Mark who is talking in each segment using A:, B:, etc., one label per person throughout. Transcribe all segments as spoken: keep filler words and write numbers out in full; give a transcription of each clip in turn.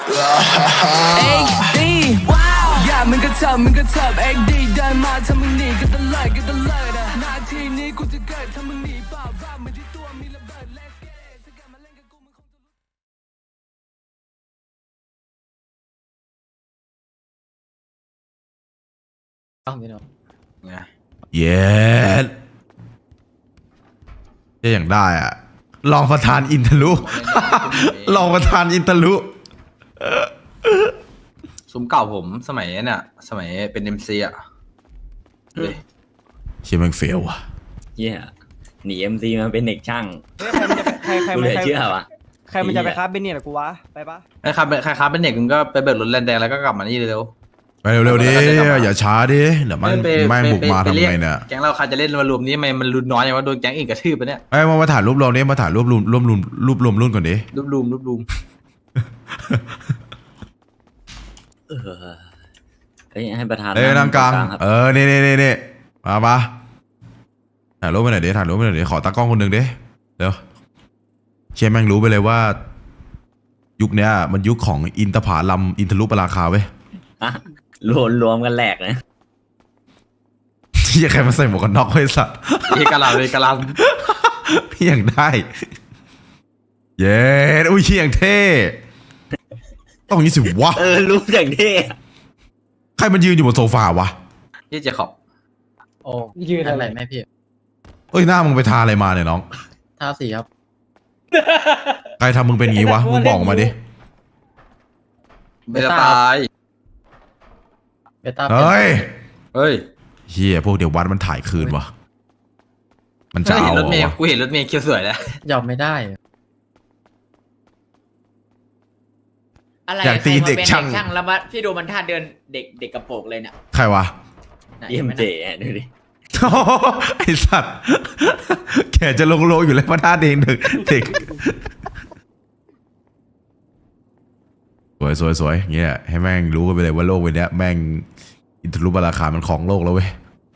A: เอ็กดีอย่ามึงก็เถิบมึงก็เถิบเอ็กดีเดินมาถ้ามึงหนีก็ตะเลิดก็ตะเลิดนาทีนี้กูจะเกิดถ้ามึงหนีเปล่าว่ามันที่ตัวมีระเบิด Let's get it ถ้ากลับมาเล่นกับกูมึงคงจะ
B: ต้องพี่น้อง
C: เย้จะอย่างได้อ่ะลองประธานอินทลุ ลองประธานอินทลุ
D: ซุ้มเก่าผมสมัยเนี่ยสมัยเป็นเอ็มซีอ่ะเลย
C: เชี่ยแม่งเฟลว่ะ
B: เหี้ยหนีเอ็มซีมาเป็นเด็กช่าง
E: เฮ้ยใครมันจะไปใครใคร
B: กู
E: มัน
B: เลย
E: ใคร
B: เชื่อวะ
E: ใครมันจะไปค้าเบนเนี่ยหรอกูวะไปปะ
D: ไอ้ครับใครครับเป็นเด็กมึงก็ไปเบิกรถแลนแดงแล้วก็กลับมานี่เร็ว
C: ไปเร็วๆดิอย่าช้าดิเดี๋ยวมัน
D: ไป
C: แม่ง
D: ไป
C: บุกมา
D: ไป
C: ทำ
D: รีก
C: ไงเนี่ย
D: แก๊งเราใครจะเล่นมารวมนี้ทำไมมันรุนน้อยอย่างว่าโดนแก๊งอื่นกระทืบไปเนี่ย
C: ไอ้ยมามาถ่ายรูปรวมนี้มาถ่ายรูปรวมรวมรวมรูปรวมรุ่นก่อนดิ
D: รูปรูมรูปรูม
B: เออเฮ้ยให้ประธาน
C: เอ้ยนั่งกลาง
B: ครับ
C: เออนี่นี่นี่นี่มาปะถ่ายรูปไปหน่อยดิถ่ายรูปไปหน่อยดิขอตากล้องคนหนึ่งดิเดี๋ยวเชี่ยแม่งรู้ไปเลยว่า ยุคเนี้ยมันยุคของอินทผลัมอินทรุปราคาเว้ย
B: อ่ะรวมรวมกันแหลกนะ
C: ที่ใครมาใส่หมวกกันน็อกไว้สัตว์
D: เอกลักษณ์เลยกะลัน
C: พี่อย่างได้ เย้อุ้ยเชี่ยอย่างเท่ต้องอย่างนี้สิวะ
B: เออรู้อย่างเท่
C: ใครมันยืนอยู่บนโซฟาวะ
D: ยี่เจขอบ
E: โอ้ยืนอะไรแม่พี่
C: เอ้ยหน้ามึงไปทาอะไรมาเนี่ยน้อง
E: ท้าสีครับ
C: ใครทำมึงเป็นอย่างงี้วะมึงบอกมาดิ
D: เบต้าตาย
E: เบต้า
C: เฮ้ย
D: เฮ้ย
C: เฮียพวกเดี๋ยววัดมันถ่ายคืนวะมันจะ
D: กู
C: เอา
D: เห็นรถเมย์
C: วะ
D: กูเห็นรถเมย์เคียวสวยแล้ว
E: ยอมไม่ได้
F: อะไร
C: อยากตีเด็ก
F: ใครมป็น
C: ช่าง
F: ช่างแล้วมาพี่ดูมันท่าเดินเด็กเด็กกระโปรงเลยเนี่ย
C: ใครวะ
F: ไหน
B: เยี่ยม
F: ห็นไห
B: เจ๋อะดูดิ
C: ไอสัตว์แกจะลงโลอยู่แล้วมาท่าเด็กเด็กเด็กสวยสวยสวยเงี้ยให้แม่งรู้กันไปเลยว่าโลกใบนี้แม่งอินทรุปราคามันของโลกแล้วเว้ย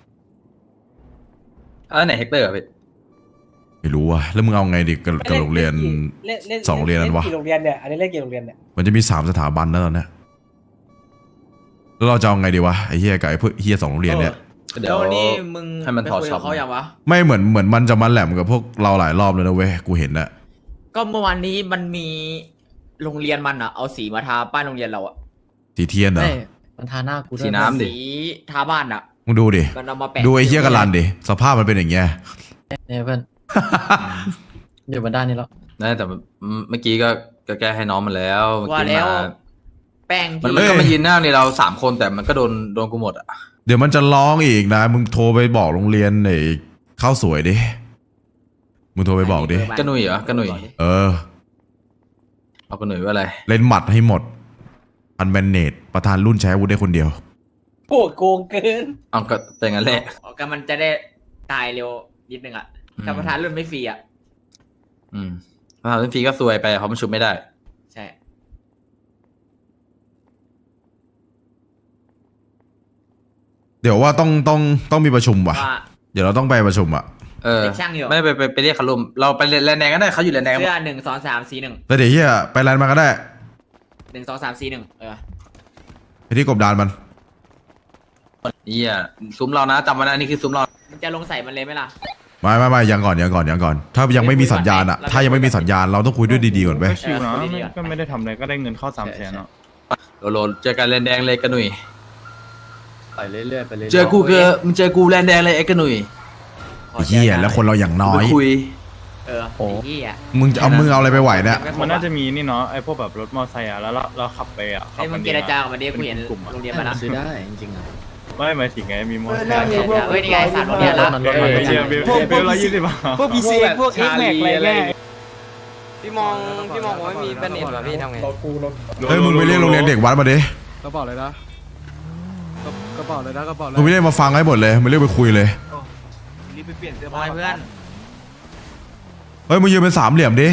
D: เออไหนเฮกเตอร์อะพี่
C: ไม่รู้ว่ะแล้วมึงเอาไงดิกับกับโรงเรียน สองโรงเรียนนั้นวะ
E: กี่โรงเรียนเนี่ยอันนี้เล่นกี่โรงเรียนเนี่ย
C: มันจะมีสามสถาบันนะตอนเนี้ยแล้วเราจะเอาไงดีวะไอ้เฮียกับไอ้พวกเฮียสองโรงเรียนเนี่ย
D: เดี๋
F: แล้
D: ยว
F: วนี่มึง
D: ให้มันถอด
F: ไปคุย
D: ช็อ
F: กั
D: ป
F: บเขาอย่างวะ
C: ไม่เหมือนเหมือนมันจะมาแหลมกับพวกเราหลายรอบเลยนะเว้ยกูเห็นนะ
F: ก็เมื่อวานนี้มันมีโรงเรียนมันอะเอาสีมาทาป้ายโรงเรียนเราอะ
C: สีเทียนเหรอ
E: มันทาหน้ากูด้วย
D: สีน้ำดิ
F: สีทาบ้านอะ
C: มึงดูดิ
F: มันเอามาแปะ
C: ดูไอ้เฮียกันลันดิสภาพมันเป็นอย่างเงี้ย
E: เนี่ยเพื่อนอยู่บนด้านนี้แล้ว
D: นั่นแต่เมื่อกี้ก็ก็แก้ให้น้องมันแล้วเมื่อ
F: ว่า
D: กี้
F: แล้ว
D: มา
F: แป้ง
D: มัน
F: ที่
D: มันก็มายืนหน้าในเราสามคนแต่มันก็โดนโดนกูหมดอ่ะ
C: เดี๋ยวมันจะร้องอีกนะ มึงโทรไปบอกโรงเรียนไอ้ข้าวสวยดิ มึงโทรไปบอกดิ
D: กระหนุ่ยเหรอกระหนุ่ย
C: เออ
D: เอากระหนุ่ยว่าอะไร
C: เล่นหมัดให้หมด อันแมนเนตประธานรุ่นใช้อาวุธได้คนเดียว
E: โกโกงเกิน
D: เอาก็เป็นงั้นแหละ
F: ก็มันจะได้ตายเร็วนิดนึงอะถ้าประธานรุ่นไม่ฟรีอะ
D: อืมถ้าทำฟรีก็ซวยไปเพราะมันชุบไม่ได้
F: ใช่
C: เดี๋ยวว่าต้องต้องต้องมีประชุมว่ะ
F: ว่า
C: เดี๋ยวเราต้องไปประชุมอ่ะ
D: เออ
F: เด็กช่างอยู่
D: ไม่ไปไปไปเรียกเขาลุมเราไปแลนแดงก็ได้เขาอยู่แลนแดง
F: เสื้อหนึ่งสองสามสี่หนึ่ง
C: แต่เดี๋ยวเฮียไปแลนด์มาก็ได้
F: หนึ่งสองสามสี่หนึ่งเออ
C: ไปที่กบดานมัน
D: เฮียซุ้มเรานะจำไว้นะนี่คือซุ้มเรา
F: มันจะลงใส่มันเลยไหมล่ะ
C: ไม่ไม่ไม่ยังก่อนยังก่อนยังก่อน ถ้ายังไม่มีสัญญาณอ่ะ ถ้ายังไม่มีสัญญาณเราต้องคุยด้วยดีๆก่อนไป
G: ก็ชิวนะ
F: เออคุยดีๆ
G: ไม่
F: ก่อน
G: ก็ไม่ได้ทำอะไรก็ได้เงินเข้าสามแสนเนาะ
D: โลโลเจอกันแลนแดงเลยกระหนุ่ย
E: ไปเรื่อยๆไปเรื่อยๆ
D: เจอกูเกอมึงเจอกูแลนแดงเลยไอ้กระหนุ่ย
F: ขอ
C: ไอ้เฮียแล้วคนเราอย่างน้อ
D: ไป
C: ย
D: คุย
F: เออไอ้เหี้ย
C: มึงจะเอามึงเอาอะไรไปไหวเนี่ย
G: มันน่าจะมีนี่เนาะไอ้พวกแบบรถมอเตอร์ไซค์อ่ะแล้วเราเราขับไปอ่ะขั
F: ไอ้
G: บ
F: มึ
G: มั
F: ง
G: น
F: เจรจากับมันดิกูเห็น
G: ป็กลุ่มอะ
F: โรงเรียนมาแล้ว
E: ซื้อได้จริงๆอ่ะ
G: ไม่หมายถึงไงมีมอเตอร์ไซ
E: เออ
G: ค์
E: เนี่ย
F: เฮ้ยนี่ไงสามโรงเรียนละ
G: รถมันไม่เชียร์เบลเบลร้อยยี่สิบบาท
E: พวกพีซีพวกเอ็กแม็กอะไรเงี้ย
H: พี่มองพี่มองว่าไม่มีแบนเน็ตเหรอพี่ทำไง
C: เฮ้ยมึงไปเรียกโรงเรียนเด็กวัดมาดิ
E: กระเป๋าเลยนะกระเป๋าเลยนะกระเป๋าเลย
C: มึงไม่ได้มาฟังให้หมดเลยมึงเรียกไปคุยเลย
H: รีบไปเปลี่ยนเสื้อผ้าเพื่อน
C: เฮ้ยมึงยืนเป็นสามเหลี่ยมดิ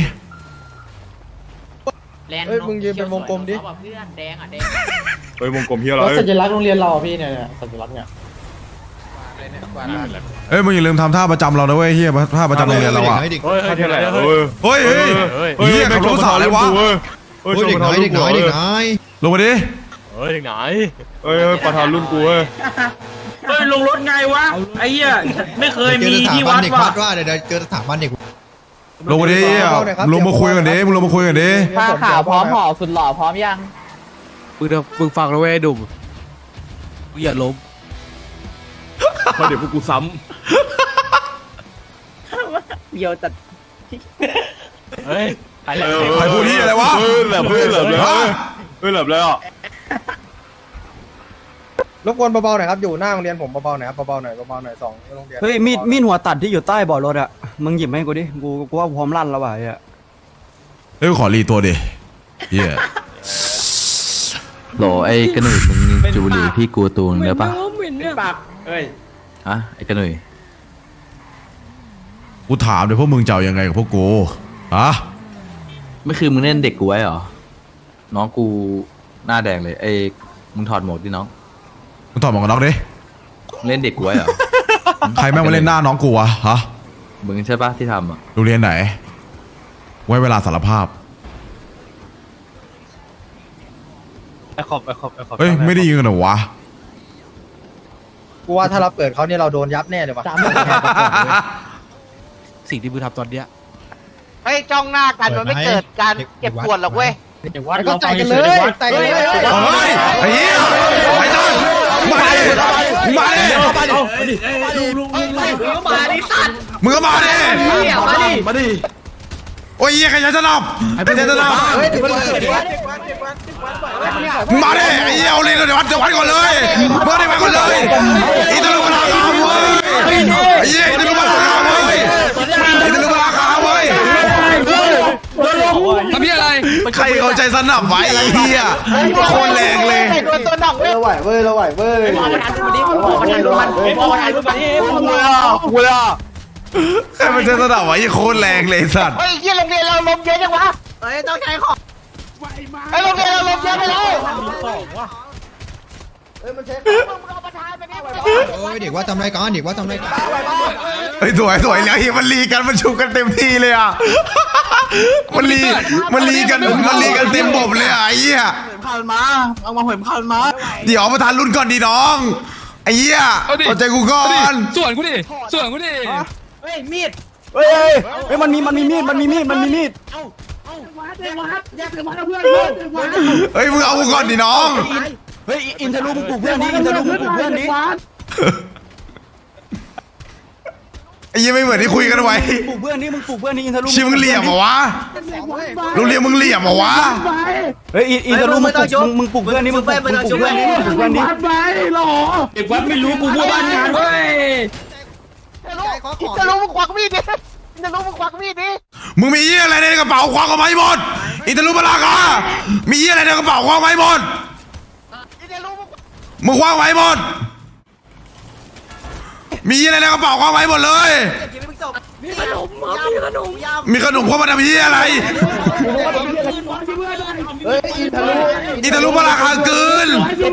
F: แลนด์
E: เฮ้ยมึงยืนเป็นวงกลมดิ
F: เขาบอกเพื่อนแดงอ่ะแดง
G: เฮ้ยวงกลมเฮียอะไร
E: แล้วสัญลักษณ์โรงเรียนเราพี่เนี่ยสัญลักษณ์เนี่ย
C: เฮ้ยมึงอย่าลืมทำท่าประจำเรานะเว้ยเฮียท่าประจำโรงเรียนเราอ่ะ
G: เฮ้ยเท่าไหร่เฮ้ย
C: เฮ้ยเฮ้ยเฮียขับรถภาษาอะไรวะ
G: เฮ้ฮ้ยเด็กน้อยเด็กน้อยเด็กน้อย
C: ลงมาดิ
G: เฮ้ยเด็กน้อยเฮ้ยประธานรุ่นกูเว้ย
I: เฮ้ยลงรถไงวะไอ้เหี้ยไม่เคยมีที่วัด
G: เด็ก
I: ว่ะ
G: วัดว่าเดี๋ยวเจอสถาบันเด็ก
C: ลงมาดิลงมาคุยกันดิมึงลงมาคุยกันดิ
E: ผ้าขาวพร้อมห่อสุดหล่อพร้อมยัง
I: มึงเดี๋ยวมึงฟังแล้วเว้ยดุมมึงอย่าล้มเพราะเดี๋ยวพวกกูซ้
E: เดียวจัด
G: เฮ้ยใคร
C: ใครพูดที่อะไรวะ
G: เฮ้ยแหลมเฮ้ยแหลมเลยเฮ้ยแหลมเลยอ่ะ
J: รบกวนเบาๆหน่อยครับอยู่หน้าโรงเรียนผมเบาๆหน่อยครับเบาๆหน่อยเบาๆหน่อยสองโรงเรียน
K: เฮ้ยมีดมีดหัวตัดที่อยู่ใต้เบาะรถอะมึงหยิบให้กูดิกูกูว่าพร้อมลั่นแล้วว่ะไอ้อะ
C: เฮ้ยขอรีตัวดิเหี้ย
B: โหลไอ้กระหนุ่ยมึงจูบุหรีพี่กูตูนได้ปะ
F: ปากเอ้ย
B: ฮะไอ้กระหนุ่ย
C: กูถามเลยพวกมึงจะเอายังไงกับพวกกูฮะ
B: ไม่คือมึงเล่นเด็กกูไว้เหรอน้องกูหน้าแดงเลยไอ้มึงถอดหมวกดิน้อง
C: มึงตอบหมวกกันน็อกดิ
B: มึงเล่นเด็กกูไว้เหรอ
C: ใครแม่งมาเล่นหน้าน้องกูวะฮะ
B: มึงใช่ปะที่ทำอ่ะ
C: โรงเรียนไหน ไว้เวลาสารภาพ
G: ไอ้ขอบไอ้ขอบไอ้ขอบ
C: เฮ้ยไม่ได้ยินกันเหรอวะ
J: กูว่าถ้าเราเปิดเขาเนี่ยเราโดนยับแน่เลยว่ะ
I: ำสิ่งที่มึงทำตอนเนี้ย
H: เฮ้ยจ้องหน้ากันมันไม่เกิดการเก็บปวดหรอกเว้ย
J: ก็แต่งกันเลยแต่งกันเลย
C: เฮ้ยไอ้เหี้ยไอ้ต้นมาดิมาดิ
F: มาดิสัตว์
C: มึงก็มาดิ
F: เหี้ยมาดิ
C: มาดิโอ้ยเหี้ยใครจะสนับใครจะสนับ
J: เฮ้ยเดี๋ยวมันเกิด
C: มึงมาดิไอ้เหี้ยเอาเลยเดี๋ยววัดเดี๋ยววัดก่อนเลยมึงได้วัดก่อนเลยอีตาลุมาลาคาเว้ยไอ้เหี้ยอีตาลุมาลาคาเว้ยอีตาลุมาลาคาเว้ย
I: ทำพี่อะไร
C: ใครเขาใจสนับไว้ไอ้เหี้ยโคตรแรงเลย
H: ตัวตัวหนองเว้ย
J: เราไหวเว้ยเราไหวเว้ย
F: พอประธานรุ่นนี้พอประธานรุ่นมันพอประธานรุ่นมัน
G: กูเลยอ่ะกูเลยอ่ะ
C: ใครมันใจสนับไว้โคตรแรงเลยสัตว์
H: เฮ้ยเหี้ยโรงเรียนเราลมเยอะจังวะ
F: เฮ้ยต้องใช้ของ
H: ไอ้โรงเรียนเราลมเยอะไปแล้ว
J: เฮ้ยมันเช็ค
G: โอ้ยเด็กว่าทำไรกันเด็กว่าทำไรกัน
C: เฮ้ยสวยสวยแล้วเฮียมันลีกันมันชุบกันเต็มที่เลยอ่ะมันลีมันลีกันมันลีกันเต็มบบเลยอ่ะไอ้เหี้ย
F: ข้าวมาเอามาหอยข้าวมา
C: เดี๋ยวประธานรุ่นก่อนดีน้องไอ้เหี้ยเอาใจกูก่อน
I: ส่วนกูดิส่วนกูดิ
F: เฮ้ยมีด
K: เฮ้ยเฮ้ยเฮ้ยมันมีมันมีมีดมันมีมีดมันมีมีด
C: เฮ้ยมึงเอากูก่อนดิน้อง
K: เฮ้ยอินทะลุมึงปลุกเพื่อนดิอินทะลุมึงปลุกเพื่อนดิ
C: ไอ้เหี้ยไม่เหมือนที่คุยกันไว้
K: ปลุกเพื่อนดิมึงปลุกเพื่อนดิอินทะลุ
C: ชิมึงเหลี่ยมเหรอวะโรงเรียนมึงเหลี่ยมเหรอวะ
K: เฮ้ยอินอินทะลุมึงปลุกมึงมึงปลุกเพื่อนดิมึงปลุกมึงปลุกเพื่อนดิมึงปลุกเพื่อนดิ
I: เด็กวัดไม่รู้กูพูดบ้านงานเว้ย
H: จะรู้มึงควักมีดดิจะรู้มึงควักมีดดิ
C: มึงมีเหี้ยอะไรในกระเป๋าควักออกมาให้หมดอิตาลุบาลากามีเหี้ยอะไรในกระเป๋าควักมาให้หมด
H: จะรู้มึง
C: มึงคว้างไว้หมด มีอะไรในกระเป๋าคว้างไว้หมดเลย
F: มีขนมมีขนม
C: มีขนมเข้ามาทำที่อะไร
J: เฮ้ยอินทะลุ
C: อิตาลุบาราคาเกิน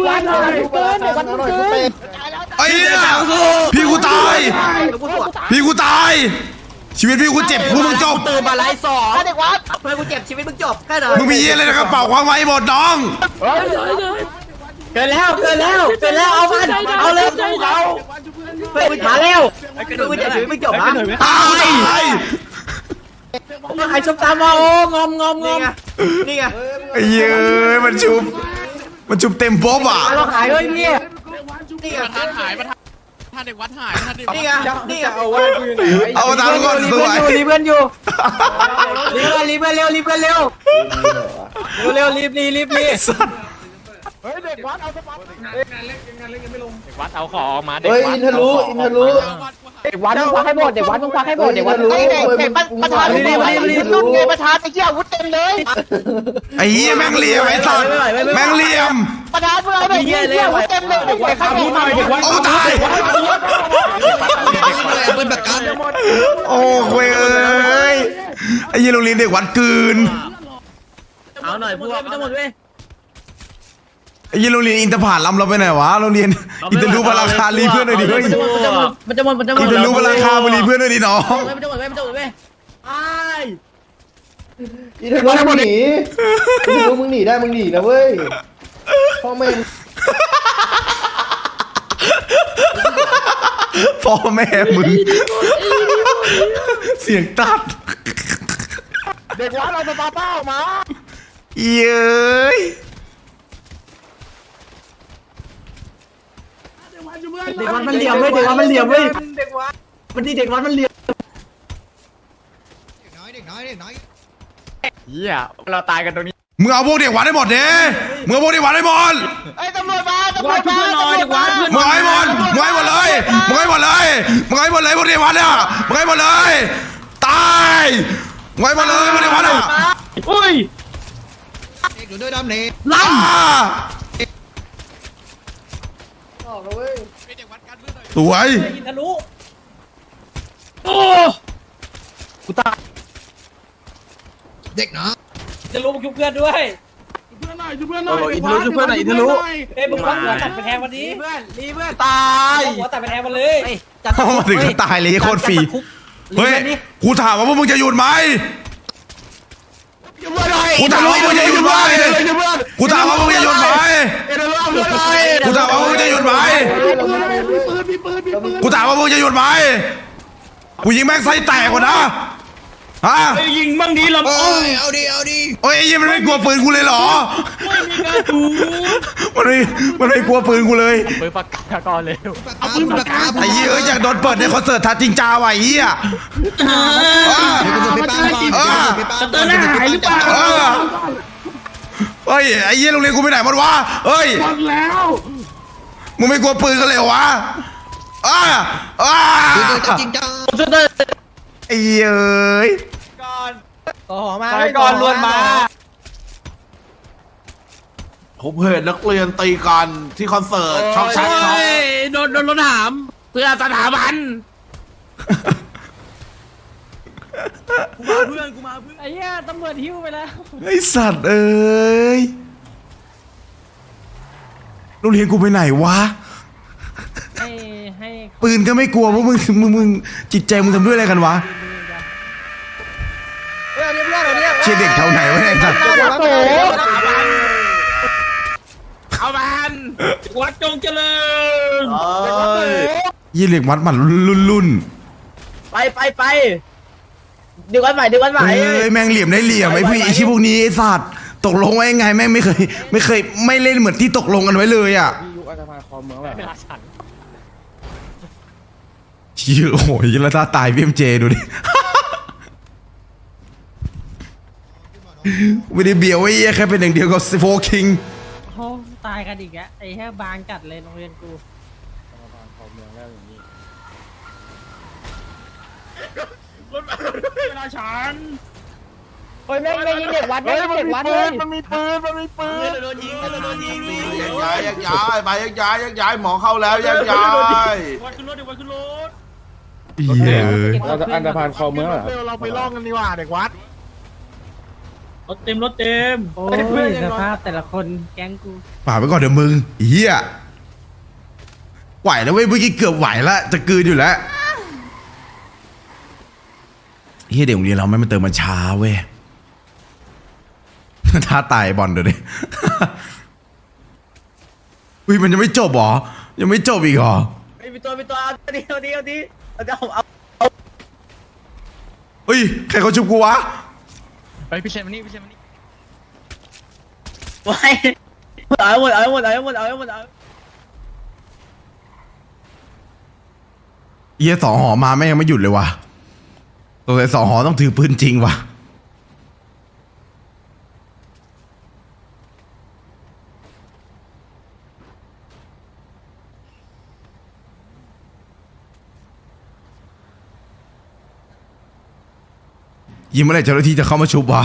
C: ไอ้เนี่ยพี่กูตาย พี่กูตาย ชีวิตพี่กูเจ็บกูมึงจบ
F: ตื่นมาไล่สอง
H: เด็กวัด
F: เพื่อนกูเจ็บชีวิตมึงจบแค่ไหน
C: มึงมีอะไรในกระเป๋าคว้างไว้หมดน้อง
F: เกินแล้วเกินแล้วเกินแล้วเอามันเอาเลยเอาเพื่อนมึงมาแล้วเพื่อนกูเจ็บชีวิตมึงจบนะ
C: ตาย
F: ใครชมตามมาโอ้งอมงอมงอมนี่ไง
C: ไอ้เย้ยมันชุบ มันชุบเต็มป๊อบอ่ะ
F: เราขายด้วยนี่นี่ไง
I: ประธานหายประธานท่านเด็กวัดหายประธานเด็ก
F: นี่ไงนี่ไงเอา
C: เอาตามก่อนสวย
F: รีบเพื่อนอยู่รีบรีบเร็วรีบเร็วเร็วรีบรีบรีบรีบ
G: วัดเอาของมาเด็ก
J: เฮ้ย
G: วั
J: อิ
G: ด
J: นทะลุอินทะลุ
E: เด็กวัดมึงควักให้หมดเด็กวัดมึงควักให้หมดเด็กวัด
H: ไอ้เด็กเด็กประธานรุ่นไงประธานไอ้เหี้ยอาวุธเต็มเลย
C: ไอ้เหี้ยแม่งเหลี่ยมไอ้สัตว์แม่งเหลี่ยม
H: ประธานมึงเอาไปเหี้ยอาวุธเต็มเลยเด็กข้างนี้หน่อยเด็กวัด
C: โอ้ตาย
G: เป็นแบบกัน
C: โอ้โหเอ้ยไอ้เหี้ยโรงเรียนเด็กวัดกืน
F: เอาหน่อยพวกไม่ต้องหมดเว้ย
C: ไอ้เหี้ยโรงเรียนอินทผลัมเราไปไหนวะโรงเรียนอินทรูบาราคารีเพื่อนหน่อยดิเฮ้ย
F: มันจะหมดมันจะหมดมันจะหมด
C: อินทรูบาราคามารีเพื่อนหน่อยดิน้อง
F: มันจะหมดเว้ยมันจะหมดเว้ยไอ้
J: อีทะลุมึงหนีอีทะลุมึงหนีได้มึงหนีนะเว้ยพ่อแม่
C: พ่อแม่มึงเสียงตัด
J: เด็กวัดเราจะปาเป้ามา
C: เย้ย
F: เด็กวัดมันเหลี่ยมเว้ยเด็กวัดมันเหลี่ยมเว้ยมันที่เด็กวัดมันเหลี่ยม
G: เหี้ยเราตายกันตรงนี้
C: มึงเอาพวกเด็กวัดให้หมดเด้มึงเอาพวกเด็กวัดให้หมด
F: ไอ้ตำรวจมาตำรวจมาตำรวจมา
C: มึงเอาให้หมดมึงเอาให้หมดเลยมึงเอาให้หมดเลยมึงเอาให้หมดเลยพวกเด็กวัดเนี่ยมึงเอาให้หมดเลยตายมึงเอาให้หมดเลยพวกเด็กวัดอ่ะ
G: อุ้ย
C: ล่าสวย
F: ทะลุ
G: โอ้กูตาย
F: จะลุกชุบเพื่อนด้วย
D: โอ้อินทะลุช่วยเพื่อนหน่อยอินทะลุ
F: เอ้ยมึงควักหัวตัดไปแทงวันนี้เพื่อนรีเพื่อน
D: ตาย
F: หัวตัดไปแทงมันเลย
C: เข้ามาถึงก็ตายเลยโคตรฟรีเฮ้ยกูถามว่าพวกมึงจะหยุดไหมกูถามว่ามึงจะหยุดไหมกูถามว่ามึงจะหยุดไหมกูถามว่ามึงจะหยุดไหมกูถามว่ามึงจะหยุดไหมกูยิงแม่งไส้แตกกว่านะฮะ
G: ยิงมั่งดีลำโอ้ย
C: โอ้ยไอ้ยี่มันไม่กลัวปืนกูเลยเหรอ
G: ไม่มีกระถู
C: มันไม่มันไม่กลัวปืนกูเลย
G: ปืนปากกาก่อนเร็วเอาปืนปากกา
C: ไอ้ยี่เอ้ยอยากโดนเปิดในคอนเสิร์ตทาจริงจ้าว่ะไอ้ยี่อ่ะ
G: เตือนหน้าหายหรือเปล่า
C: เฮ้ยไอ้ยี่โรงเรียนกูไปไหนหมดวะเฮ้ยหมดแล้วมึงไม่กลัวปืนกันเลยเหรอวะอ้าอ้าจริงจังไอ้เอ้ย
F: ต่อมา
G: ไปก่อนลวนมา
K: ผมเห็นนักเรียนตีกันที่คอนเสิร์ตช็อกชักช็อก
G: โดนโดนรถถามเพื่อสถาบันกูมาเพื่อนกูมาเพื่อน
F: ไอ้เหี้ยตำรวจหิ้วไปแล้ว
C: ไอ้สัตว์เอ้ยโรงเรียนกูไปไหนวะ
F: ให้ให้
C: ปืนก็ไม่กลัวพวกมึงมึงมึงจิตใจมึงทำด้วยอะไรกันวะ
J: เฮ้ยอันนี้เพื่อนอันนี้
C: เชี่ยเด็กแถวไหนวะเนี่ยไอ้สัตว์
J: โอ้โห
G: เอามันวัดจงเจริญ
C: ยี่เหล็กวัดมันรุ่นรุ่น
F: ไปไปไปดึงวันใหม่ดึงวันใหม่
C: เอ้ยแม่งเหลี่ยมได้เหลี่ยมไอ้พี่ไอ้ชิพวกนี้ไอ้สัตว์ตกลงไว้ยังไงแม่งไม่เคย ไม่เคยไม่เล่นเหมือนที่ตกลงกันไว้เลยอ่ะ
I: ยุคอัตภาคอมเมืองแบบ
G: เวลาฉัน
C: เชี่ยโอ้โหยแล้วถ้าตายพีเอ็มเจดูดิ ไม่ได้เบียวไอ้เหี้ยแค่เป็นอย่างเดียวกับโฟคิง
F: โอ้ตายกันอีกแล้วไอ้แค่บางจัดเลยโรงเรียนกู
G: เวลาฉัน
F: เฮ้ยแม่งไม่ยิงเด็กวัดไม่ยิงเด็กวัดเลย
K: มันมีปืนมันมีปืน
G: โดนยิงโดนยิงนี่
K: ยักย้ายยักย้ายไปยักย้ายยักย้ายหมอเข้าแล้วยักย้าย
G: วัดขึ้นรถเดี๋ยววัดขึ้นรถ
C: เย้ย
I: อันธพาลคอมเมืองเหรอ
K: เราไปล่องกันดีกว่าเด็กวัด
G: รถเต็มรถเต็ม
F: โอ้ยสภาพแต่ละคนแก๊งกู
C: ป่าไปก่อนเดี๋ยวมึงเฮียไหวแล้วเว้ยเมื่อกี้เกือบไหวละจะกลืนอยู่แล้วเฮียเด็กโรงเรียนเราไม่มาเติมมันช้าเว้ย ท้าตายบอลเดี๋ยวดิ อุ้ยมันยังไม่จบเหรอยังไม่จบอีกเหรอ
F: ไอ้มีตัวมีตัวเอาดีเอาดีเอาดีเอาดีเอา
C: เฮ้ยใครเขาชุบกูวะ
G: ไปพี่เชนมานี่พี่เชนมานี่
F: ไว้เอาหมดเอาหมดเอาหมดเอาหมดเอา
C: เฮียสองหอมาแม่งยังไม่หยุดเลยวะตัวไอ้สองหอต้องถือปืนจริงวะยิงเมื่อไหร่เจ้าหน้าที่จะเข้ามาชุบวะ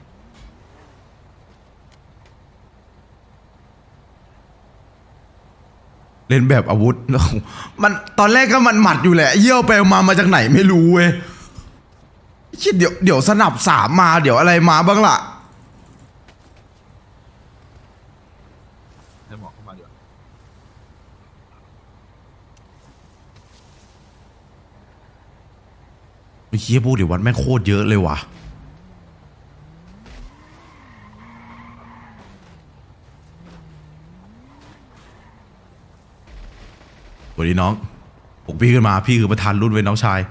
C: เล่นแบบอาวุธ มันตอนแรกก็มันหมัดอยู่แหละเยี่ยวไปมามาจากไหนไม่รู้เว้ยคิดเดี๋ยวเดี๋ยวสนับสามมาเดี๋ยวอะไรมาบ้างล่ะ
D: ให้หมอเข้ามาดีกว่า
C: ไอ้เฮียพวกเดี๋ยววัดแม่งโคตรเยอะเลยว่ะวันนี้น้องปลุกพี่ขึ้นมาพี่คือประธานรุ่นเว้ยน้องชาย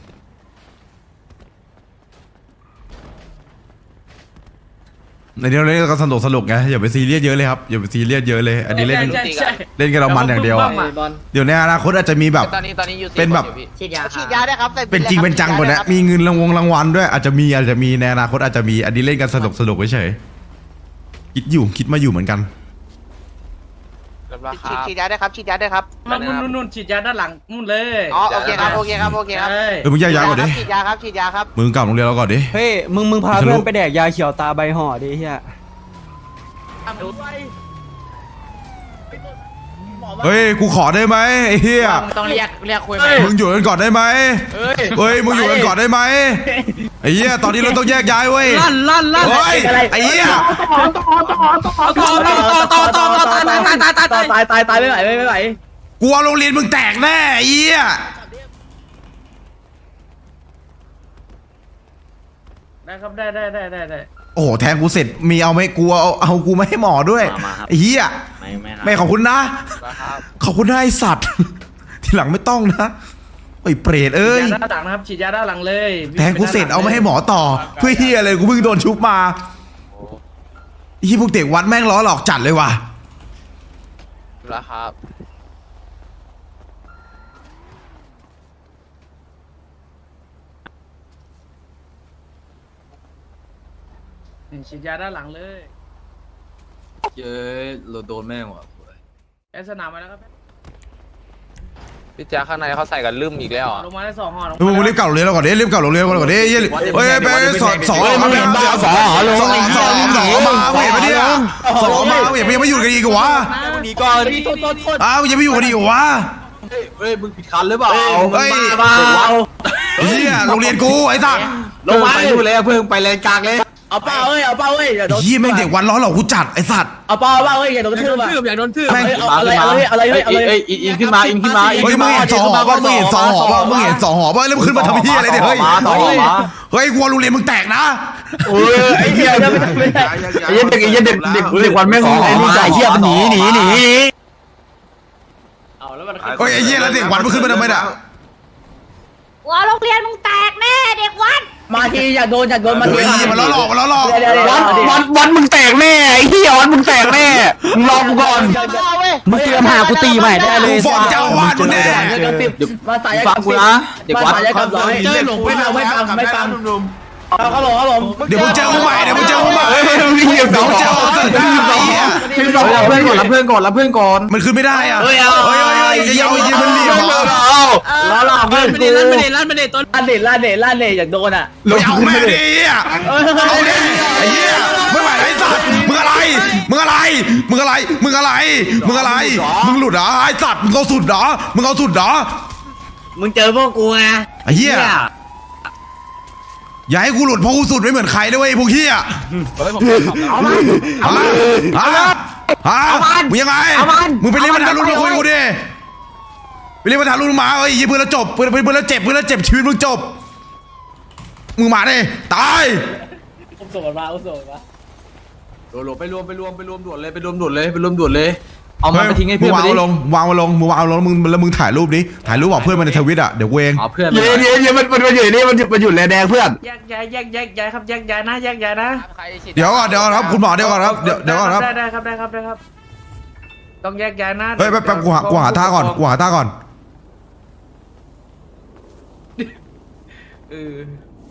C: ในนี้เราเล่นกันสนุกสนุกไงอย่าไปซีเรียสเยอะเลยครับอย่าไปซีเรียสเยอะเลยอันนี้เล่นเล่นกันเรามันอย่างเดียวอะเดี๋ยวในอนาคตอาจจะมีแบบ
H: ตอนนี้ตอนนี้อยู่
C: เป็นแบบ
F: ฉีดยาฉีดยาได้ครับ
C: เป็นจริงเป็นจังกว่านี้มีเงินรางวงรางวัลด้วยอาจจะมีอาจจะมีในอนาคตอาจจะมีอันนี้เล่นกันสนุกสนุกเฉยคิดอยู่คิดมาอยู่เหมือนกัน
H: ฉีดฉีดยาได้ครับฉีดยาได้ครับ
G: มันนู่นนู่นฉีดยาด้านหลังนู่นเลย
H: อ๋อโอเคครับโอเคครับโอเคครับ
C: เออมึงแยกย้ายก่อนดิ
H: ฉีดยาครับฉีดยาครับ
C: มึงกลับโรงเรียนเราก่อนดิ
K: เฮ้ยมึงมึงพาเพื่อนไปแดกยาเขียวตาใบห่อดิเฮีย
C: เฮ้ยกูขอได้ไหมไอ้เหี้ย
F: ต้องเรียกเรียกคุยไหม
C: มึงอยู่กันก่อนได้ไหมเฮ้ยมึงอยู่กันก่อนได้ไหมไอ้เหี้ยตอนนี้เราต้องแยกย้ายเว้ยลั่นลั่นลั่นเฮ้ยไอ้เหี้ย
F: ต่อต่อต่อต่อต่อตายตายตายตายตายตายตายไม่ไหวไม่ไหว
C: กูเอาโรงเรียนมึงแตกแน่ไอ้เหี้ย
G: ได้ครับได้ได้ได้ได้ได้
C: โอ้โหแทงกูเสร็จมีเอาไหมกูเอาเอากูไม่ให้หมอด้วยไอ้เหี้ยไม่ขอบคุณนะขอบคุณนะไอ้สัตว์ ทีหลังไม่ต้องนะไอ้เปรตเอ้ย
G: ฉีดยาด้านหลังนะครับฉีดยาด้านหลังเลย
C: แทงกูเสร็จเอาไม่ให้หมอต่อเพื่อเหี้ยอะไรกูเพิ่งโดนชุบมาไอ้พวกเด็กวัดแม่งล้อหลอกจัดเลยว่ะ
H: แล้วครับ
G: ฉีดยาด้านหลังเลย
D: เย้ยเราโดนแม่งว่ะ
G: แอสนามมาแล้วครับ
H: พี่แจ๊คข้างในเขาใส่กันลืมอีกแล้วอ่ะ
G: ลงมาได้สองห่อลง
C: มึงมึงรีบกลับโรงเรียนเราก่อนดิรีบกลับโรงเรียนเราก่อนดิเฮ้ยเฮ้ยไปสอนสอนมาเป็นสอนสอนสอนสอนสอนมาเห็นไหมเนี่ยสอนมาเห็นยังไม่หยุดกันอีกวะ
F: มีก่อนมีโทษโทษโทษ
C: อ้าวยังไม่อยู่กันอีกวะ
D: เฮ้ยมึงผิดคันหรือเปล่า
C: เฮ้ยเฮียโรงเรียนกูไอ้สัส
D: ลงไปนู่นเลยเพิ่งไปเลนกลางเลย
F: เอาเป้าเอ้ยเอาเป้าเอ้ยอย่าโดน
C: เฮียแม่งเด็กวันล้อหลอกกูจัดไอ้สัส
F: เอาเป้าเป้าเอ้ยอย่าโดนทืบอ่ะ
G: อยากโดนทืบ
C: แม่ง
F: เอาอะไรเอาอะไรอะไรอะไร
D: เอ้ยอินขึ้นมาอินขึ้นมาอิน
C: เฮ้ย
D: ขึ้น
C: มึง
D: มา
C: เห็นสองหอป่ะมึงเห็นสองหอป่ะมึงเห็นสองหอป่ะแล้วมึงขึ้นมาทำเฮียอะไรเนี่ยเฮ้ย
D: ต่อมา
C: เฮ้ยกูโรงเรียนมึงแตกนะ
F: โอ้ยไอ้เหี้ยจะไม่ไม่ได้
K: ไอ้เด็กไอ้เด็กเด็กเด็กวันแม่งไอ้นี่จ่ายเฮียมันหนีหนีหนี
F: เอาแล้วมัน
C: เฮ้ยไอ้เฮียแล้วเด็กวันมึงขึ้นมาทำไมเนี่ย
L: ว่าโรงเรียนมึงแตกแน่เด็กวัด
F: มาทีอย่าโดนอย่าโดนมาที
C: เฮ้ยมันล้อหลอกมันล้อหลอก
K: วันวันวันมึงแตกแน่ไอ้เฮียวันมึงแตกแน่มึงรอกูก่อนมึงเตรียมหากูตีใหม่ได้เลย
C: กูฟ้องเจ้าอาวาสมึงแน่
F: มาสาย
D: ฟังกูนะเด็กวัด
F: มาสายกับร้อยไม่ฟังไม่ฟังไม่ฟังเอาเขาหลงเขาหลง
C: เดี๋ยวมึงเจอกูใหม่เดี๋ยวมึงเจอกูใหม่
K: มึงเหยียบ
C: เดี๋
K: เสา
C: ยวมึงเจอกูใหม่เหี้ย
D: รับเพื่อนก่อนรับเพื่อนก่อนรับเพื่อนก่อน
C: มันขึ้นไม่ได้อ่ะเฮ้ยเฮ้ยเฮ้ยเดี๋ยวยิงมันเหลี่ยมอ่ะ
F: ล้อหลอกเพื่อนกูลั่นไม่ได้ลั่นไม่ได้ต้นลั่นเด็ดลั่นเด็ดลั่นเด็ดอยากโดนอ่ะ
C: ไม่เอาแม่ดิอ่ะเอาดิไอ้เหี้ยไม่ไหวไอ้สัตว์มึงอะไรมึงอะไรมึงอะไรมึงอะไรมึงอะไรมึงหลุดเหรอไอ้สัตว์มึงเอาสุดเหรอมึงเอาสุดเหรอ
F: มึงเจอพวกกูไง
C: ไอ้เหี้ยอย่าให้กูหลุดเพราะกูสุดไม่เหมือนใครด้วยพวกเหี้ย
F: เอามัน
C: เอามาเอามาเอามามึงยังไงมึงไปเรียกประธานรุ่นมาคุยกูดิไปเรียกประธานรุ่นมาเอ้ยเพื่อนเราจบเพื่อนเพื่อนเราเจ็บเพื่อนเราเจ็บชีวิตมึงจบมึงมาดิตาย
F: อุ้มส่งมาอุ้มส่งมา
D: โหลไปรวมไปรวมไปรวมด่วนเลยไปรวมด่วนเลยไปรวมด่วนเลยเอามันไปทิ้งให้เพื่อน
C: วาง
D: ไปดิ
C: ลงวางมาลงมึงวางลงมึงแล้วมึงถ่ายรูปนี้ถ่ายรูปบอกเพื่อนมาในทวิตอ่ะเดี๋ยวกูเอง
D: เอาเพื่อน
K: เย็นเย็นเย็นมันมันอยู่นี่มันมันอยู่แลแดงเพื่อน
G: แยกย้ายแยกย้ายย้ายครับแยกย้ายนะแยกย้ายนะ
C: เดี๋ยวก่อนเดี๋ยวก่อนครับคุณหมอเดี๋ยวก่อนครับเดี๋ยวเดี๋ยวก่อนครับ
G: ได้ได้ครับได้ครับได้ครับต้องแยกย้ายนะ
C: เฮ้ยแป๊บแป๊บกูหากูหาท่าก่อนกูหาท่าก่อน
G: เออ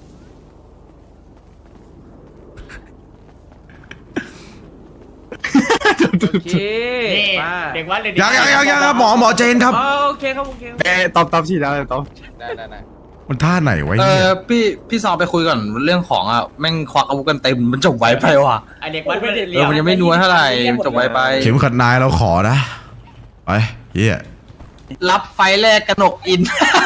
G: โอเคมา
F: เด็กวัดเลย
C: ยังยังยังยังครับหมอหมอเจนครับ
G: อ๋อโอเคครับโอเค
K: เอ้ตอบตอบฉีดแล้วตอบ
H: ได้ได้ได้
C: มันท่าไหนไว้
D: เอ
C: เนี่ย
D: อพี่พี่ซอไปคุยก่อนเรื่องของอ่ะแม่งควักอาวุธกันเต็มมันจบไวไปว่ะ
F: ไอเด็กวัดไม่ได้
D: เออมันยังไม่นัวเท่าไหร่จบไวไป
C: เข็มขัดนายเราขอนะไปเฮีย
D: รับไฟแรกกระหนกอิน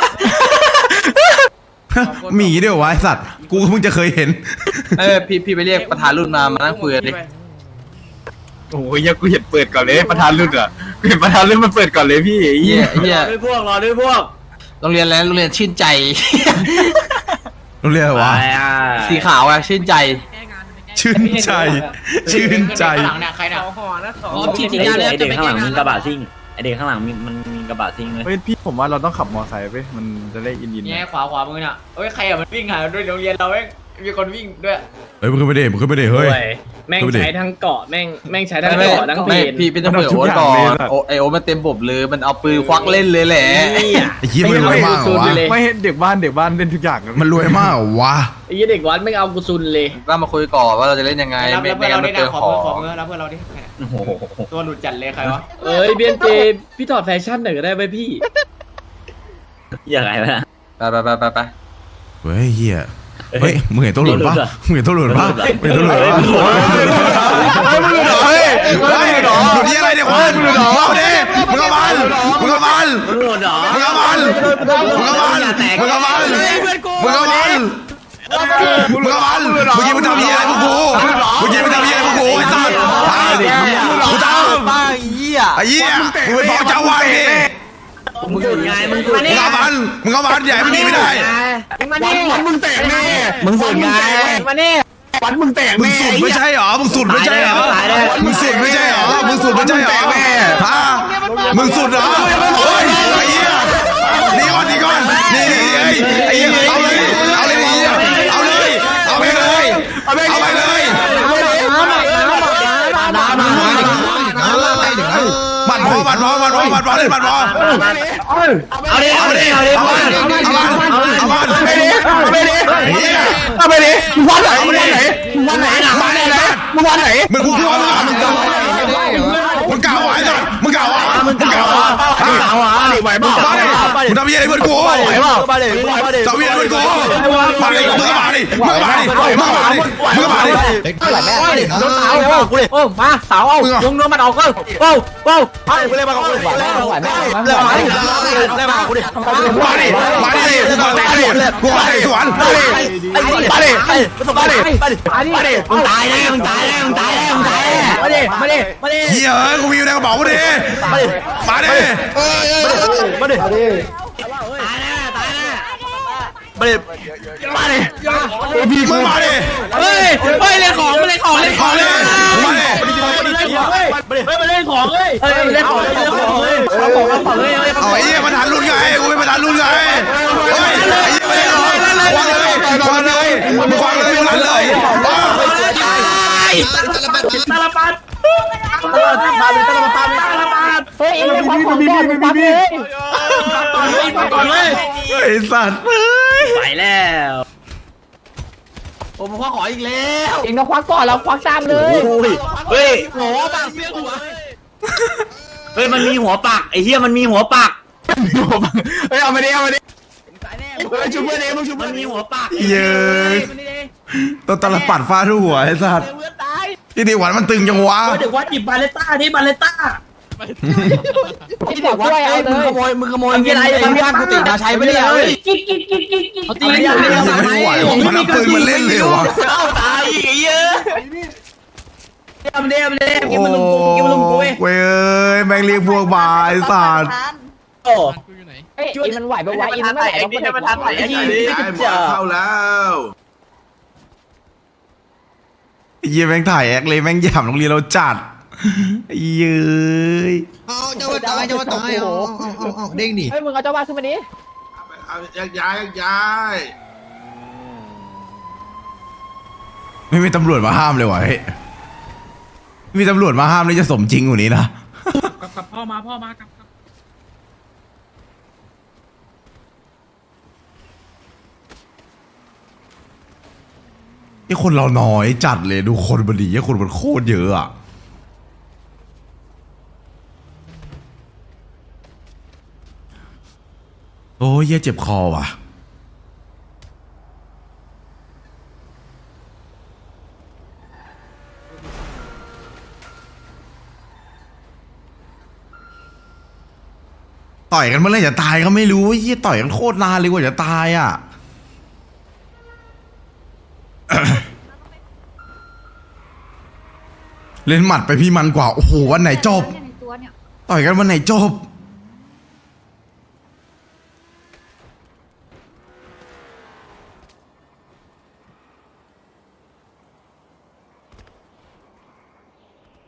C: มีอย่างงี้ด้วยวะไอสัตว์กูก็เพิ่งจะเคยเห็น
D: เออพี่พี่ไปเรียกประธานรุ่นมามานั่งคุยกันดิ
K: โอ้ยยังกูเห็นเปิดก่อนเลยประธานรุ่นอ่ะกูเห็นประธานรุ่นมันเปิดก่อนเลยพี่
D: เฮียเฮีย
F: ด้วยพวกรอด้วยพวก
D: โรงเรียนแล้วโรงเรียนชื่นใจ
C: โรงเรียนอะไรวะ
D: สีขาวอ่ะชื่นใจ
C: ชื่นใจ ชื่นใจ
F: หลังเนี่ยใครเนี่ย
G: สองห่อนะสอง
F: อ๋อฉีดยาแล้วจะไปข้างหลังมึงกระบะซิ่งเด็กข้างหลังมีมันมีกระบะซิงเลย
G: เฮ้ยพี่ผมว่าเราต้องขับมอไซค์ไปมันจะได้อินอิน
F: แง่ขวาขวามือน่ะเฮ้ยใครอ่ะมันวิ่งหาด้วยโรงเรียนเราเองมีคนวิ่งด้วย
C: เฮ้ยมึงขึ้นไปดิมึงขึ้นไปดิเฮ้ย
F: แม่ง
C: ดูดิ
F: ใช้ทั้งเกาะแม่งแม่งใช้ทั้ง
D: ไม่
F: เกาะทั้งเพ
D: ไม่
F: น
D: พี่เป็นต้องเปิดโอ๊ตก่อนโอไอโอ๊ตมันเต็มบบเลยมันเอาปืนควักเล่นเลยแหละ
C: ไอ้เหี้ยมันรวยมากเหรอวะ
G: ไม่เห็นเด็กบ้านเด็กบ้านเล่นทุกอย่างะ
C: มันรวยมากเหรอวะ
F: ไอ้เด็กวัดไม่เอากูซุนเลย
D: ก็มาคุยก่อนว่าเราจะเล่นยังไงไม่ไม่งั้นมันเปลืองของ
F: รับเพื่อนเราดิตัวหลุดจัดเลยใครวะเอ้ยเบียนเจพี่ถอดแฟชั่นหน่อยก็ได้ไหมพี่อย่างไรวะ
D: ไปไปไปไปไป
C: เฮ้ยเหี้ยเฮ้ยมึงเห็นตัวหลุดปะมึงเห็นตัวหลุดปะมึงเห็นตัวหลุดปะเฮ้ยเฮ้ยหลุดที่อะไรเนี่ยคุณมึงเอาดิมึงเอามันมึงเอามันมึงเอามันมึงเอามันมึงเอามันมึงเอามันมึงเอามันมึงยิงมึงทำยี่อะไรพวกกูมึงยิงมึงทำยี่อะไรพวกกูไอ้สัตว์กูตาม
D: ป้าเหี้ย
C: ไอ้เหี้ยมึงไปฟ้องเจ้าวันดิ
F: มึงสุดไงมึงสุด
C: มึงเอามันมึงเอามันใหญ่มึงหนีไม่ได้
F: มาเน่
K: วันมึงแตกแน่
F: มึงสุดไงมาเน่
K: วันมึงแตก
C: มึงสุดไม่ใช่หรอมึงสุดไม่ใช่หรอมึงสุดไม่ใช่หรอมึงสุดไม่ใช่หรอฮะมึงสุดเหรอเฮ้ยไอ้เหี้ยนี่ก่อนนี่ก่อนนี่นี่ไอ้เหี้ยเอาเลยเอาเลยเอาเลยเอาไปเลยเอาไปเลยบัตรพอบัตรพอบัตรพอบัตรพอเล่นบัตรพอเอาดิเอาดิเอาดิเอามันเอามันเอามันไปดิไปดิเอาไปดิวันไหนวันไหนวันไหนวันไหนมึงวันไหนมึงกูกลัวมึงมึงกลัวมึงกล่าวไว้ก่อนมึงกล่าวว่ามึงกล่าวว่ามึงกล่าวว่าไหวบ้ามึงทำยังไงเพื่อนกูไหวบ้ามาดิมาดิทำยังไงเพื่อนกูมาดิมึงก็มาดิมึงก็มาดิมึงก็มาดิมึงก็มาดิเท่าไหร่แม่รถเท้ากูเลย
F: โอ้มาสาวเอาลงเนื้อมันออกก็โอ้โอ้
C: มาดิกูเลยมากูเลยไหวแม่ไหวแม่เลยมากูดิมาดิมาดิมาดิกูมาดิสวนมาดิมาดิมาดิมาดิมาดิมึงตายแน่มึงตายแน่มึงตายแน่มึงตายแน่มาดิมาดิมาดิเฮียกูมีอยู่ในกระเป๋ามาดิมาดิมาดิมาดิมาดิมาดิมาดิพี่มึงมาดิเฮ้ยเฮ้ยเล่นของมาเล่นของเล่นของเลยมาดิมาเล่นของเฮ้ยเล่นของเล่นของเฮ้ยเอาของเอาของเลยเอาไอ้เหี้ยมันหันรุ่นไงกูไม่มันหันรุ่นไงเฮ้ยไอ้เหี้ยไม่ได้หรอกวางเลย วางเลยวางเลยวางเลยตาลปัดตาลปัดตาลปัดตาลปัดตาลปัดเฮ้ยไอ้ของของก่อนปัดเลยปัดก่อนเลยไอ้สัตว์ไปแล้วโอ้ผมคว้าขออีกแล้วเองก็ควักก่อนเราควักตามเลยเฮ้ยหัวปากเปี้ยหัวเฮ้ยมันมีหัวปากไอ้เหี้ยมันมีหัวปากเฮ้ยเอามาดิเอามาดิเฮ้ยชุบเพื่อนเองมึงชุบเพื่อนมีหัวปากเย้ยตัวตาลปัดฟาดหัวไอ้สัตว์ที่นี่หวานมันตึงจังวะเด็กวัดหยิบบาเลต้าที่บาเลต้าที่เด็กวัดไอ้มึงขโมยมึงขโมยเงินไอ้บ้านกูติดาชัยไม่ได้เลยกิ๊กกิ๊กกิ๊กกิ๊กกิ๊กเขาตีกันไม่ไหวมันเอาปืนมันเล่นเลยวะเอาตายอีกเยอะเดี๋ยวเดี๋ยวเดี๋ยวกินมันลุมกูกินมันลุมกูเว้ยเว้ยแม่งเรียกพวกบาไอ้สัตว์โอ้เอ้ยอินมันไหวปะวะอินมันไม่ไหวต้องเป็นมันทันไหวไอ้ยี่เข้าแล้วเยี่ยแม่งถ่ายแอคเลยแม่งหยามโรงเรียนเราจัดเย้ยเอาเจ้าว่าตายเจ้าว่าตายเอาเอาเอาเอาเด้งดิเฮ้ยมึงเอาเจ้าว่าขึ้นมาดิเอาย้ายย้ายย้ายไม่มีตำรวจมาห้ามเลยวะเฮ้ยมีตำรวจมาห้ามเลยจะสมจริงกว่านี้นะกับพ่อมาพ่อมากับไอ้คนเราน้อยจัดเลยดูคนมันดีไอ้คนมันโคตรเยอะอ่ะโอ้ยเจ็บคอว่ะต่อยกันเมื่อไรจะตายก็ไม่รู้เฮียต่อยกันโคตรนานเลยกว่าจะตายอ่ะเล่นหมัดไปพี่มันกว่าโอ้โหวันไหนจบต่อยกันวันไหนจบ